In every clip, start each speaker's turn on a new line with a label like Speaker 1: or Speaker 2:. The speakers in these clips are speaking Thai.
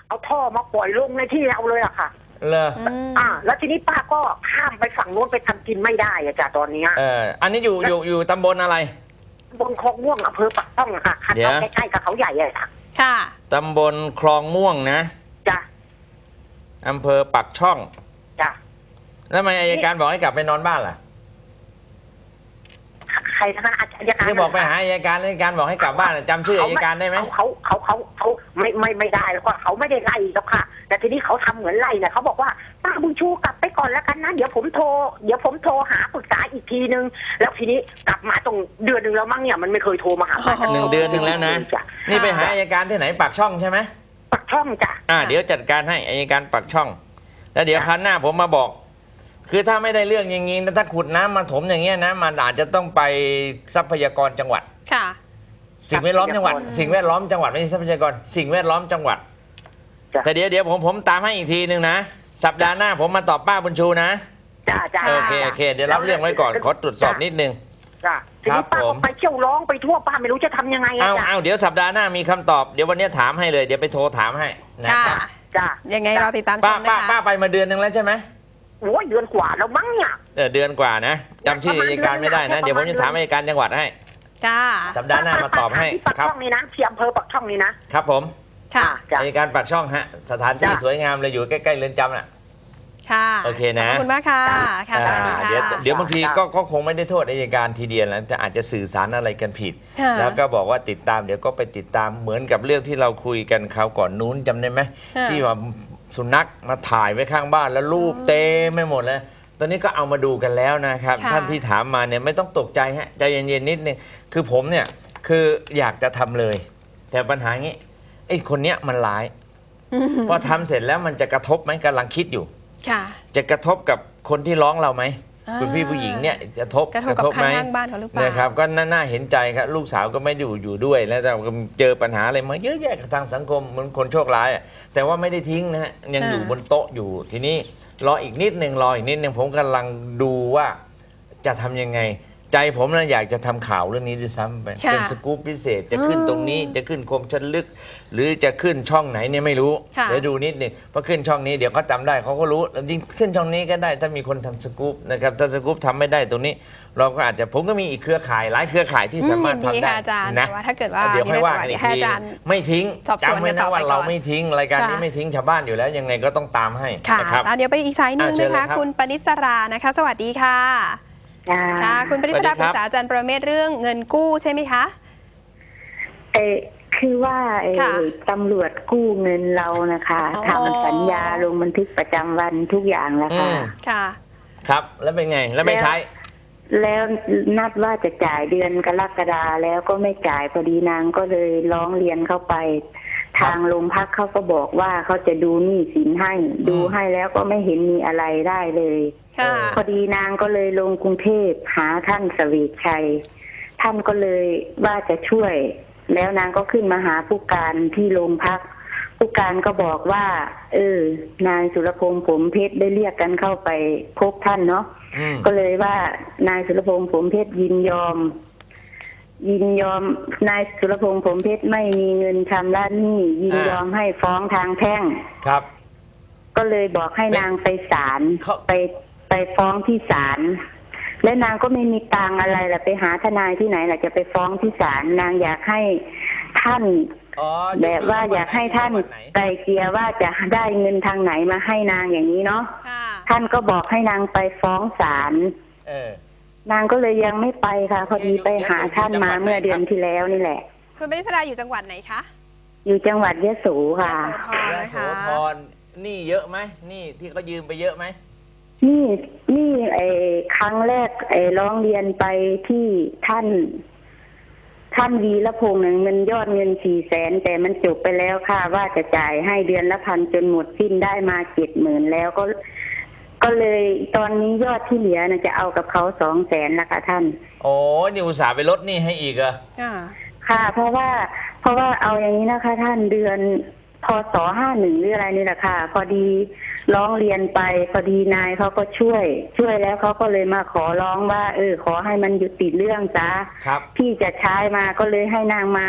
Speaker 1: เอาท่อมาปล่อยลงในที่เราเลยอะค่ะ
Speaker 2: เลย
Speaker 1: แล้วทีนี้ป้าก็ข้ามไปฝั่งโน้นไปทำกินไม่ได้อะจ้ะตอนนี้
Speaker 2: อันนี้อยู่ตำบลอะไร
Speaker 1: บนคลองม่วงอำเภอปากช่องค่ะคันเอาใกล้ๆกับเขาใหญ่เลยค่ะ
Speaker 3: ค่ะ
Speaker 2: ตำบลคลองม่วงนะ
Speaker 1: จ้ะ
Speaker 2: อำเภอปากช่อง
Speaker 1: จ้ะ
Speaker 2: แล้วทำไมอัยการบอกให้กลับไปนอนบ้านล่ะ
Speaker 1: ใครนะคะอัยการ
Speaker 2: ที่บอกไปหาอัยการบอกให้กลับบ้านจำชื่ออัยการได้ไหม
Speaker 1: เขาไม่ได้แล้วก็เขาไม่ได้ไล่แล้วค่ะแต่ทีนี้เขาทำเหมือนไล่เนี่ยเขาบอกว่าป้าบุญชูกลับไปก่อนแล้วกันนะเดี๋ยวผมโทรหาปรึกษาอีกทีนึงแล้วทีนี้กลับมาตรงเดือนนึงแล้วมั้งเนี่ยมันไม่เคยโทรมาหา
Speaker 2: 1 เดือนแล้วนะนี่ไปหาอัยการที่ไหนปากช่องใช่ไหม
Speaker 1: ปากช่องจ้ะ
Speaker 2: เดี๋ยวจัดการให้อัยการปากช่องแล้วเดี๋ยวครั้งหน้าผมมาบอกคือถ้าไม่ได้เรื่องอย่างนี้ถ้าขุดน้ำมาถมอย่างเงี้ยนะมันอาจจะต้องไปทรัพยากรจังหวัด
Speaker 3: ค่ะ
Speaker 2: สิ่งแวดล้อมจังหวัดสิ่งแวดล้อมจังหวัดไม่ใช่ทรัพยากรสิ่งแวดล้อมจังหวัดแต่เดี๋ยวผมตามให้อีกทีนึงนะสัปดาห์หน้าผมมาตอบป้าบุญชูนะ
Speaker 1: จ้า
Speaker 2: โอเคเดี๋ยวรับเรื่องไว้ก่อนขอตรวจสอบนิดนึง
Speaker 1: จ้าทีนี้ป้าไปเที่ยวร้องไปทั่วป้าไม่รู้จะทำยังไง
Speaker 2: เอาเดี๋ยวสัปดาห์หน้ามีคำตอบเดี๋ยววันนี้ถามให้เลยเดี๋ยวไปโทรถามให้
Speaker 3: นะครับ
Speaker 1: จ้า
Speaker 3: ยังไงเราติดตามชมนะคะ
Speaker 2: ป้าไปมาเดือนนึงแล้วใช่ไหม
Speaker 1: โอ้ยเดือนกว่าแล้วมั้งเนี่ย
Speaker 2: เดือนกว่านะจำชื่ออัยการไม่ได้นะเดี๋ยวผมจะถามอัยการจังหวัดให้สัปดาห์หน้ามาตอบให้
Speaker 1: ปากช่องนี้นะที่อำเภอปากช่องนี้นะครับ
Speaker 2: ผม
Speaker 3: ค่ะ
Speaker 2: อัยการปากช่องฮะสถานที่สวยงามเลยอยู่ใกล้ๆเรือนจำน่ะ
Speaker 3: ค่ะ
Speaker 2: โอเคนะ
Speaker 3: ขอบคุณมากค่ะค่ะสวัสดีค่ะ
Speaker 2: เดี๋ยวบางทีก็คงไม่ได้โทษอัยการทีเดียวแล้วจะอาจจะสื่อสารอะไรกันผิดแล้วก็บอกว่าติดตามเดี๋ยวก็ไปติดตามเหมือนกับเรื่องที่เราคุยกันคราวก่อนนู้นจำได้ไหมที่ว่าสุนัขมาถ่ายไว้ข้างบ้านแล้วรูปเต็มไม่หมดเลยตอนนี้ก็เอามาดูกันแล้วนะครับท่านที่ถามมาเนี่ยไม่ต้องตกใจฮะใจเย็นๆนิดนึงคือผมเนี่ยคืออยากจะทำเลยแต่ปัญหางี้ไอ้คนเนี้ยมันร้ายพอทำเสร็จแล้วมันจะกระทบไหมกำลังคิดอยู่จะกระทบกับคนที่ร้องเราไหมคุณพี่ผู้หญิงเนี่ยจะกระทบไหมนะครับก็น่าเห็นใจครับลูกสาวก็ไม่อยู่ด้วยแล้วแต่เจอปัญหาอะไรมาเยอะแยะทางสังคมเหมือนคนโชคร้ายแต่ว่าไม่ได้ทิ้งนะฮะยังอยู่บนโต๊ะอยู่ทีนี้รออีกนิดนึงผมกำลังดูว่าจะทำยังไงใจผมนะอยากจะทำข่าวเรื่องนี้ด้วยซ้ำไปเป็นสกู๊ปพิเศษจะขึ้นตรงนี้จะขึ้นคมชัดลึกหรือจะขึ้นช่องไหนเนี่ยไม่รู้เดี๋ยวดูนิดนึงพอขึ้นช่องนี้เดี๋ยวเขาจำได้เขาก็รู้จริงขึ้นช่องนี้ก็ได้ถ้ามีคนทำสกู๊ปนะครับถ้าสกู๊ปทำไม่ได้ตรงนี้เราก็อาจจะผมก็มีอีกเครือข่ายหลายเครือข่ายที่สามารถทำได้
Speaker 3: นะถ้าเกิดว่า
Speaker 2: เดี๋ยวค่อยว่ากันอีกทีไม่ทิ้งจำไว้นะว่าเราไม่ทิ้งรายการนี้ไม่ทิ้งชาวบ้านอยู่แล้วยังไงก็ต้องตามให้
Speaker 3: นะครับเดี๋ยวไปอีกสายนึงนะคะคุณปณิสรานะคะสวัสดีค่ะค่ะคุณปริศดาปรึกษาอาจารย์ประเมศเรื่องเงินกู้ใช่ไหมคะ
Speaker 4: คือว่าตำรวจกู้เงินเรานะคะทำสัญญาลงบันทึกประจำวันทุกอย่างแล้ว
Speaker 3: ค่ะ
Speaker 2: ครับแล้วเป็นไงแล้วไม่ใช้
Speaker 4: แล้วนัดว่าจะจ่ายเดือนกรกฎาแล้วก็ไม่จ่ายพอดีนางก็เลยร้องเรียนเข้าไปทางโรงพักเขาก็บอกว่าเขาจะดูหนี้สินให้ดูให้แล้วก็ไม่เห็นมีอะไรได้เลยพอดีนางก็เลยลงกรุงเทพหาท่านเสวกชัยท่านก็เลยว่าจะช่วยแล้วนางก็ขึ้นมาหาผู้การที่โรงพักผู้การก็บอกว่านายสุรพงษ์ผมเพชรได้เรียกกันเข้าไปพบท่านเนาะก็เลยว่านายสุรพงษ์ผมเพชรยินยอมนายสุรพงษ์ผมเพชรไม่มีเงินชำระหนี้ยินยอมให้ฟ้องทางแพ่ง
Speaker 2: ครับ
Speaker 4: ก็เลยบอกให้นางไปศาลไปฟ้องที่ศาลและนางก็ไม่มีตังอะไรล่ะไปหาทนายที่ไหนล่ะจะไปฟ้องที่ศาลนางอยากให้ท่านแบบว่าอยากให้ท่านไกลเกลี่ยว่าจะได้เงินทางไหนมาให้นางอย่างนี้เนาะท่านก็บอกให้นางไปฟ้องศาลนางก็เลยยังไม่ไปค่ะพอดีไปหาท่านมาเมื่อเดือนที่แล้วนี่แหละ
Speaker 3: คุณปริศดาอยู่จังหวัดไหนคะ
Speaker 4: อยู่จังหวัดยะโสค่ะ
Speaker 2: ยะโสธรนี่เยอะไหมนี่ที่เขายืมไปเยอะไหม
Speaker 4: นี่ครั้งแรกร้องเรียนไปที่ท่านวีรพงษ์มันยอดเงิน400,000แต่มันจบไปแล้วค่ะว่าจะจ่ายให้เดือนละ1,000จนหมดสิ้นได้มา70,000แล้วก็เลยตอนนี้ยอดที่เหลือนะจะเอากับเขา200,000ละค่ะท่าน
Speaker 2: โอ้นี่อุตส่าห์ไปลดนี่ให้อีกเหรอ
Speaker 4: ค่ะเพราะว่าเอาอย่างนี้นะคะท่านเดือนพศ51หรืออะไรนี่แหละค่ะพอดีร้องเรียนไปพอดีนายเขาก็ช่วยแล้วเขาก็เลยมาขอร้องว่าขอให้มันยุติเรื่องจ้าพี่จะใช้มาก็เลยให้นางมา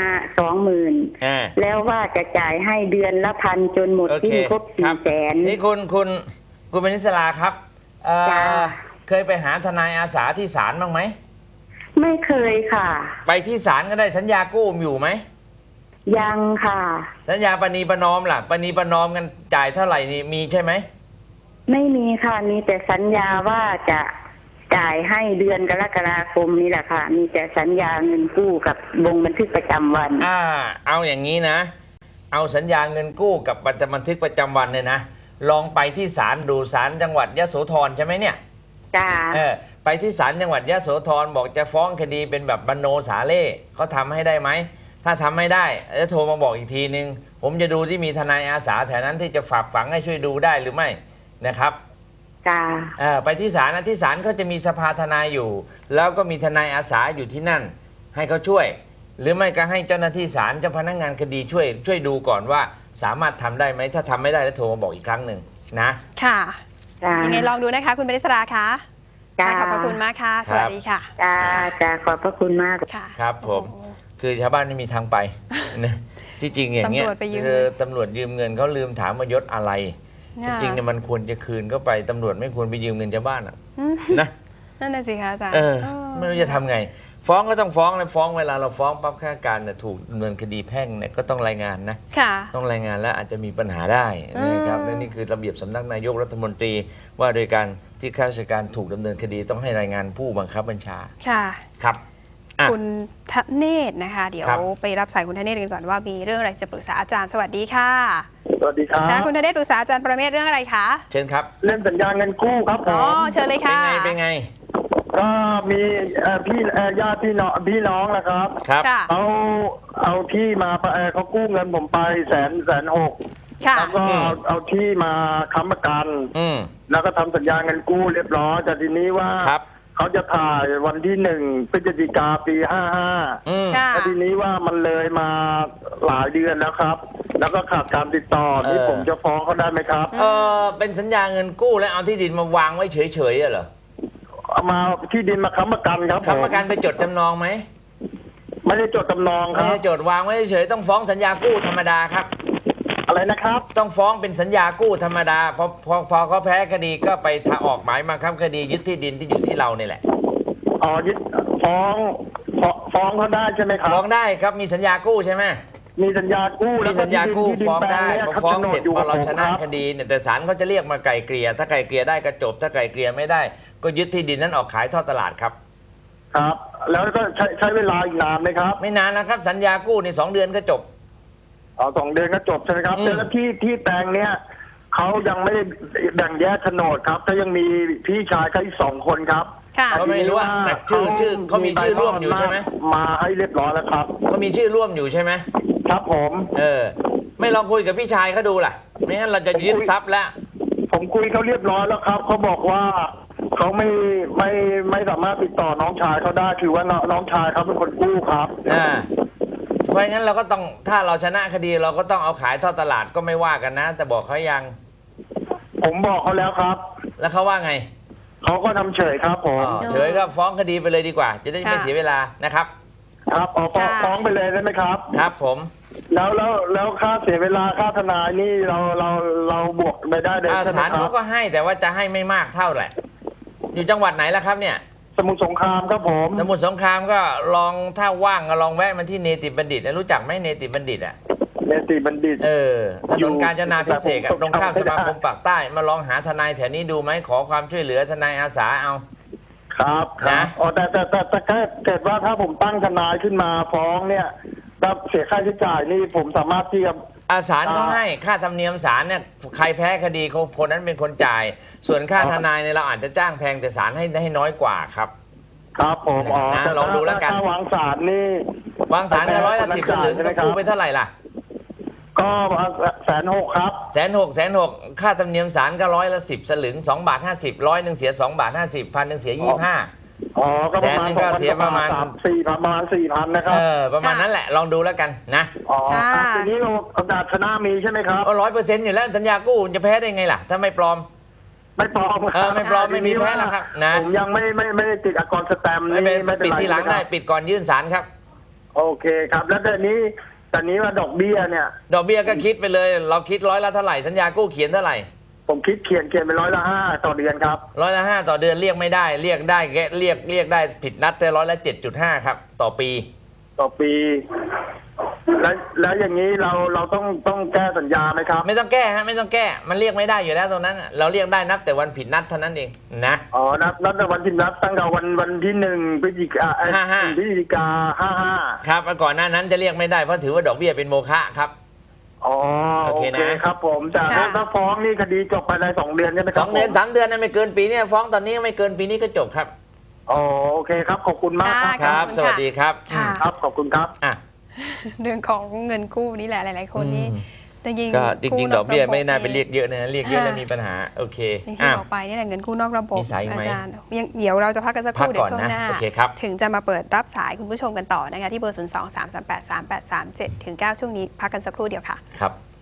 Speaker 4: 20,000แล้วว่าจะจ่ายให้เดือนละ1,000จนหมดสิ้นครบ400,000
Speaker 2: นี่คุณปณิสราครับเคยไปหาทนายอาสาที่ศาลบ้างไหม
Speaker 4: ไม่เคยค่ะ
Speaker 2: ไปที่ศาลก็ได้สัญญากู้อยู่ไหม
Speaker 4: ยังค่ะ
Speaker 2: สัญญาปณีประนอมล่ะปณีประนอมกันจ่ายเท่าไหร่นี่มีใช่ไหม
Speaker 4: ไม่มีค่ะมีแต่สัญญาว่าจะจ่ายให้เดือนกรกฎาคมนี่แหละค่ะมีแต่สัญญาเงินกู้กับลงบันทึกประจำวัน
Speaker 2: เอาอย่างนี้นะเอาสัญญาเงินกู้กับบันทึกประจำวันเนี่ยนะลองไปที่ศาลดูศาลจังหวัดยโสธรใช่ไหมเนี่ย
Speaker 4: จ้า
Speaker 2: ไปที่ศาลจังหวัดยโสธรบอกจะฟ้องคดีเป็นแบบบรรโนสาเล่เขาทำให้ได้ไหมถ้าทำไม่ได้จะโทรมาบอกอีกทีนึงผมจะดูที่มีทนายอาสาแถวนั้นที่จะฝากฝังให้ช่วยดูได้หรือไม่นะครับ
Speaker 4: จ้า
Speaker 2: ไปที่ศาลนะที่ศาลเขาจะมีสภาทนายอยู่แล้วก็มีทนายอาสาอยู่ที่นั่นให้เขาช่วยหรือไม่ก็ให้เจ้าหน้าที่ศาลเจ้าพนักงานคดีช่วยดูก่อนว่าสามารถทำได้ไหมถ้าทำไม่ได้แล้วโทรมาบอกอีกครั้งหนึ่งนะ
Speaker 3: ค่ะยังไงลองดูนะคะคุณปณิสราคะขอบพระคุณมากค่ะสวัสดีค่ะ
Speaker 4: จ้าขอบพระคุณมาก
Speaker 3: ค่ะ
Speaker 2: ครับผมคือชาวบ้านไม่มีทางไปนะที่จริงอย่างเงี้ยคือตำรวจยืมเงินเขาลืมถามว่ายศอะไรจริงๆเนี่ยมันควรจะคืนเข้าไปตำรวจไม่ควรไปยืมเงินชาวบ้านนะ
Speaker 3: นั่นน่ะสิคะอาจารย์
Speaker 2: ไม่รู้จะทำไงฟ้องก็ต้องฟ้องเลยฟ้องเวลาเราฟ้องปั๊บข้าราชการถูกดำเนินคดีแพ่งเนี่ยก็ต้องรายงานนะต้องรายงานแล้วอาจจะมีปัญหาได้นะครับและนี่คือระเบียบสำนักนายกรัฐมนตรีว่าโดยการที่ข้าราชการถูกดำเนินคดีต้องให้รายงานผู้บังคับบัญชา
Speaker 3: ค่ะ
Speaker 2: ครับ
Speaker 3: คุณธเนศนะคะเดี๋ยวไปรับสายคุณธเนศกันก่อนว่ามีเรื่องอะไรจะปรึกษาอาจารย์สวัสดีค่ะ
Speaker 5: สวัสดีครับ
Speaker 3: คุณธเนศปรึกษาอาจารย์ประเมศเรื่องอะไรคะ
Speaker 2: เชิญครับ
Speaker 5: เรื่องสัญญาเงินกู้ครับผม
Speaker 3: เชิญเลยค่ะ
Speaker 2: เป็นไง
Speaker 5: ก็มีพี่ญาติพี่น้องนะครับเขาเอาที่มาเขากู้เงินผมไป160,000แล้วก็เอาที่มาค้ำประกันแล้วก็ทำสัญญาเงินกู้เรียบร้อยแต่ทีนี้ว่าเขาจะถ่ายวันที่1 พฤศจิกาปี55แต่ทีนี้ว่ามันเลยมาหลายเดือนแล้วครับแล้วก็ขาดการติดต่อนี่ผมจะฟ้องเขาได้ไหมครับ
Speaker 2: เป็นสัญญาเงินกู้แล้วเอาที่ดินมาวางไว้เฉยๆเหรอ
Speaker 5: เอามาที่ดินมาค้ำประกันครับ
Speaker 2: ค้ำประกันไปจดจำนองไหม
Speaker 5: ไม่ได้จดจำนองครับ
Speaker 2: ไม่ได้จดวางไว้เฉยๆต้องฟ้องสัญญากู้ธรรมดาครับ
Speaker 5: อะไรนะครับ
Speaker 2: ต้องฟ้องเป็นสัญญากู้ธรรมดาพอเขาแพ้คดีก็ไปออกหมายมาครับคดียึดที่ดินที่อยู่ที่เราเนี่ยแหละ
Speaker 5: ยึดฟ้องเขาได้ใช่ไหมครับ
Speaker 2: ฟ้องได้ครับมีสัญญากู้ใช่ไหม
Speaker 5: มีสัญญากู้
Speaker 2: มีสัญญากู้ฟ้องได้พอฟ้องเสร็จพอเราชนะคดีเนี่ยแต่ศาลเขาจะเรียกมาไกลเกลี่ยถ้าไกลเกลี่ยได้ก็จบถ้าไกลเกลี่ยไม่ได้ก็ยึดที่ดินนั้นออกขายทอดตลาดครับ
Speaker 5: ครับแล้วก็ใช้เวลาอีกนานไหมครับ
Speaker 2: ไม่นานนะครับสัญญากู้ใน2 เดือนก็จบ
Speaker 5: 2 เดือนก็จบใช่ไหมครับแล้วที่แปลงเนี้ยเขายังไม่ได้แบ่งแยกโฉนดครับถ้ายังมีพี่ชายเขาอีก2 คนครับ
Speaker 2: เขาไม่รู้ว่าแต่ชื่อเขามีชื่อร่วมอยู่ใช่ไหม
Speaker 5: มาให้เรียบร้อยแล้วครับ
Speaker 2: เขามีชื่อร่วมอยู่ใช่ไหม
Speaker 5: ครับผม
Speaker 2: ไม่ลองคุยกับพี่ชายเขาดูล่ะไม่งั้นเราจะยึดทรัพย์แล้ว
Speaker 5: ผมคุยเขาเรียบร้อยแล้วครับเขาบอกว่าเขาไม่สามารถติดต่อน้องชายเขาได้คือว่าน้องชายเขาเป็นคนกู้ครับ
Speaker 2: เพราะงั้นเราก็ต้องถ้าเราชนะคดีเราก็ต้องเอาขายทอดตลาดก็ไม่ว่ากันนะแต่บอกเขายัง
Speaker 5: ผมบอกเขาแล้วครับ
Speaker 2: แล้วเขาว่าไง
Speaker 5: เขาก็ทำเฉยครับผม
Speaker 2: เฉยก็ฟ้องคดีไปเลยดีกว่าจะได้ไม่เสียเวลานะครับ
Speaker 5: ครับฟ้องไปเลยได้ไหมครับ
Speaker 2: ครับผม
Speaker 5: แล้วค่าเสียเวลาค่าทนายนี่เราบวกไปได้เลย
Speaker 2: ศาลเขาก็ให้แต่ว่าจะให้ไม่มากเท่าแหละอยู่จังหวัดไหนล่ะครับเนี่ย
Speaker 5: สมุทรสงครามครับผม
Speaker 2: สมุทรสงครามก็ลองถ้าว่างก็ลองแวะมาที่เนติบัณฑิตรู้จักไหมเนติบัณฑิต
Speaker 5: เนติบัณฑิต
Speaker 2: ถนนกาญจนาภิเษกตรงข้ามสมาคมปากใต้มาลองหาทนายแถวนี้ดูไหมขอความช่วยเหลือทนายอาสาเอา
Speaker 5: ครับนะแต่เกิดว่าถ้าผมตั้งทนายขึ้นมาฟ้องเนี่ยถ้าเสียค่าใช้จ่ายนี่ผมสามารถที่จะ
Speaker 2: ศาลก็ให้ค่าธรรมเนียมศาลเนี่ยใครแพ้คดีคนนั้นเป็นคนจ่ายส่วนค่าทนายเนี่ยเราอาจจะจ้างแพงแต่ศาลให้น้อยกว่าครับ
Speaker 5: ครับผม
Speaker 2: ลองดูแล้วกัน
Speaker 5: ถ้าวางศาลนี่
Speaker 2: วางศาลก็110 สลึงกู้ไปเท่าไหร่ล่ะ
Speaker 5: ก็160,000ครับ
Speaker 2: 160,000ค่าธรรมเนียมศาลก็110 สลึง2.50 บาท100เสีย2.50 1,000เสีย25
Speaker 5: อ๋อก็ประมาณ
Speaker 2: แสนนึงก็เสียประมาณ
Speaker 5: 4,000นะครับ
Speaker 2: ประมาณนั้นแหละลองดูแล้วกันนะ
Speaker 5: อ๋อทีนี้โอกาสชนะมีใช่ไหมครับ
Speaker 2: 100%อยู่แล้วสัญญากู้จะแพ้ได้ไงล่ะถ้าไม่ปลอม
Speaker 5: ไม่ปลอม
Speaker 2: ไม่ปลอมไม่มีแพ้แล้วครับนะ
Speaker 5: ผมยังไม่ได้ติดอักษรสแตมป์
Speaker 2: ไม่เป็น
Speaker 5: ไม่
Speaker 2: ปิดทีหลังได้ปิดก่อนยื่นศาลครับ
Speaker 5: โอเคครับแล้วแต่นี้ว่าดอกเบี้ยเนี่ย
Speaker 2: ดอกเบี้ยก็คิดไปเลยเราคิดร้อยละเท่าไหร่สัญญากู้เขียนเท่าไหร่
Speaker 5: ผมคิดเขียนไป5%ต่อเดือนครับ
Speaker 2: 5%ต่อเดือนเรียกไม่ได้เรียกได้แกเรียกได้ผิดนัดแต่7.5ครับต่อปี
Speaker 5: แล้วอย่างนี้เราต้องแก้สัญญาไหมครับ
Speaker 2: ไม่ต้องแก้ฮะไม่ต้องแก้มันเรียกไม่ได้อยู่แล้วตรงนั้นเราเรียกได้นับแต่วันผิดนัดเท่านั้นเองนะ
Speaker 5: อ๋อนับแต่วันที่นับตั้งแต่วันที่1 พฤศจิกา55
Speaker 2: ครับก่อนหน้านั้นจะเรียกไม่ได้เพราะถือว่าดอกเบี้ยเป็นโมฆะครับ
Speaker 5: อ๋อโอเคครับผมแต่ถ้าฟ้องนี่คดีจบภายใน2 เดือนใช่ไหมครับ
Speaker 2: 2 เดือน3 เดือนนะไม่เกินปีนี้ฟ้องตอนนี้ไม่เกินปีนี้ก็จบครับ
Speaker 5: อ๋อโอเคครับขอบคุณมาก
Speaker 2: ครับสวัสดีครับ
Speaker 5: ครับขอบคุณครับ
Speaker 3: เรื่องของเงินกู้นี่แหละหลายๆคนนี่จ
Speaker 2: ริงๆดอกเบี้ยไม่น่าไปเรียกเยอะนะเรียกเยอะแล้วมีปัญหาโอเค
Speaker 3: ที่บอกไปนี่แหละเงินกู้นอกระบบอาจารย์เดี๋ยวเราจะพักกันสักครู่เดี๋ยวช่วงหน้าถึงจะมาเปิดรับสายคุณผู้ชมกันต่อนะคะที่เบอร์ 023383837-9 ช่วงนี้พักกันสักครู่เดียวค่ะ
Speaker 2: ครับ